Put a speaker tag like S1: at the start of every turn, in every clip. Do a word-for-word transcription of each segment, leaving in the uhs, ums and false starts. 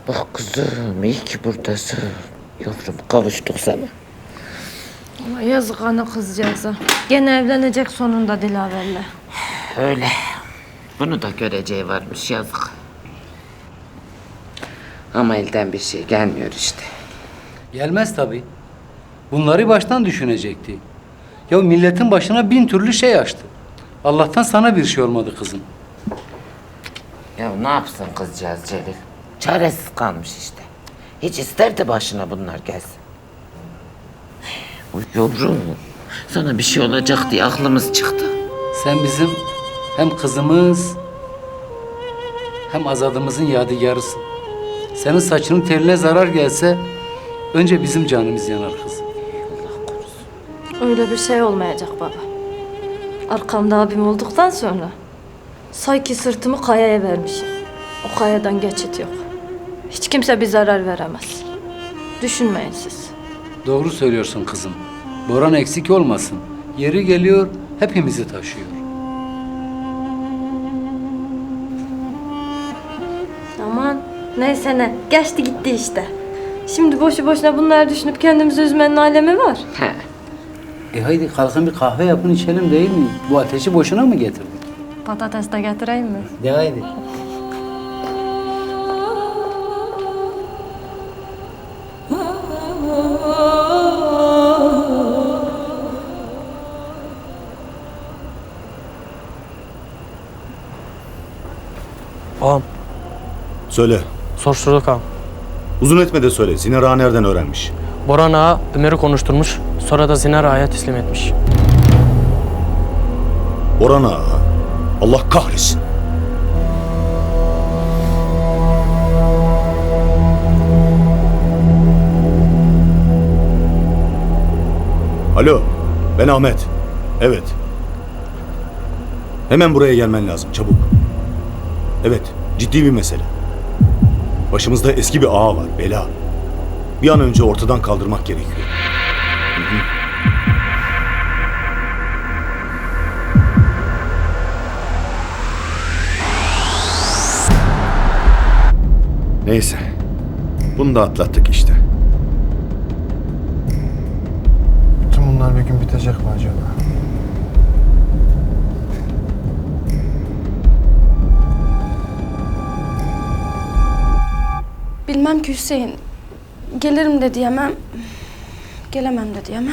S1: Bak kızım, iyi ki buradasın. Yavrum, kavuştuk sana.
S2: Ama yazık ana kızcağıza. Gene evlenecek sonunda Dilaver'le.
S1: Öyle. Bunu da göreceği varmış, yazık. Ama elden bir şey gelmiyor işte.
S3: Gelmez tabii. Bunları baştan düşünecekti. Ya milletin başına bin türlü şey açtı. Allah'tan sana bir şey olmadı kızım.
S1: Ya ne yapsın kızcağız Celil? Çaresiz kalmış işte. Hiç isterdi başına bunlar gelsin. Uy yavrum, sana bir şey olacak diye aklımız çıktı.
S3: Sen bizim hem kızımız hem azadımızın yadigarısın. Senin saçının teline zarar gelse önce bizim canımız yanar kızım.
S2: Öyle bir şey olmayacak baba. Arkamda abim olduktan sonra sanki sırtımı kayaya vermişim. O kayadan geçit yok. Hiç kimse bir zarar veremez. Düşünmeyin siz.
S3: Doğru söylüyorsun kızım. Boran eksik olmasın. Yeri geliyor hepimizi taşıyor.
S2: Aman neyse ne. Geçti gitti işte. Şimdi boşu boşuna bunları düşünüp kendimizi üzmenin alemi var.
S1: He.
S3: E haydi kalkın bir kahve yapın içelim değil mi? Bu ateşi boşuna mı getirdik?
S2: Patates de getireyim mi?
S3: De haydi.
S4: Ağam,
S5: Söyle.
S4: soruşturduk ağam.
S5: Uzun etme de söyle. Zinar Ağa nereden öğrenmiş?
S4: Boran ağa Ömer'i konuşturmuş, sonra da Zinar ağaya teslim etmiş.
S5: Boran Ağa. Allah kahretsin. Alo. Ben Ahmet. Evet. Hemen buraya gelmen lazım. Çabuk. Evet. Ciddi bir mesele. Başımızda eski bir ağa var. Bela. Bir an önce ortadan kaldırmak gerekiyor. Hı hı. Neyse. Bunu da atlattık işte.
S6: Tüm bunlar bir gün bitecek mi acaba?
S7: Bilmem ki Hüseyin. Gelirim de diyemem. Gelemem de diyemem.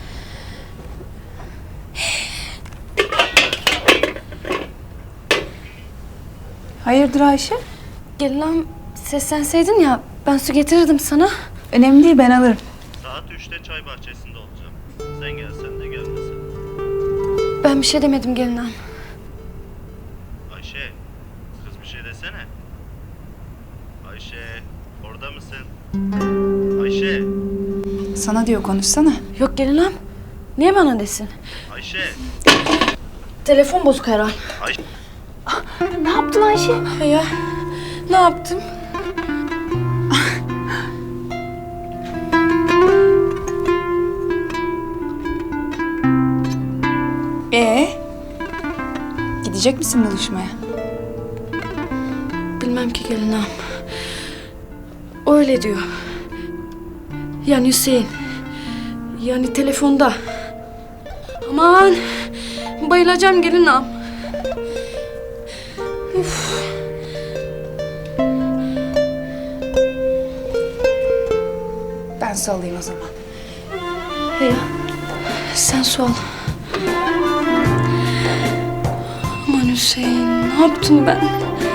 S8: Hayırdır Ayşe?
S7: Gelinam seslenseydin ya ben su getirirdim sana.
S8: Önemli değil, ben alırım.
S9: Saat üçte çay bahçesinde olacağım. Sen gelsen de gelmesen.
S7: Ben bir şey demedim gelinam.
S9: Ayşe, kız bir şey desene. Ayşe, orada mısın? Ayşe,
S8: Sana diyor, konuşsana.
S7: Yok gelinam. Niye bana desin?
S9: Ayşe,
S7: Telefon bozuk herhal.
S9: Ayşe.
S8: Ne yaptın Ayşe?
S7: Ya ne yaptım?
S8: Ee, gidecek misin buluşmaya?
S7: Bilmem ki gelinam. Öyle diyor. Yani Hüseyin. Yani telefonda. Aman bayılacağım gelinam. Üf.
S8: Ben su alayım o zaman.
S7: Ya sen su al. Aman Hüseyin ne yaptım ben?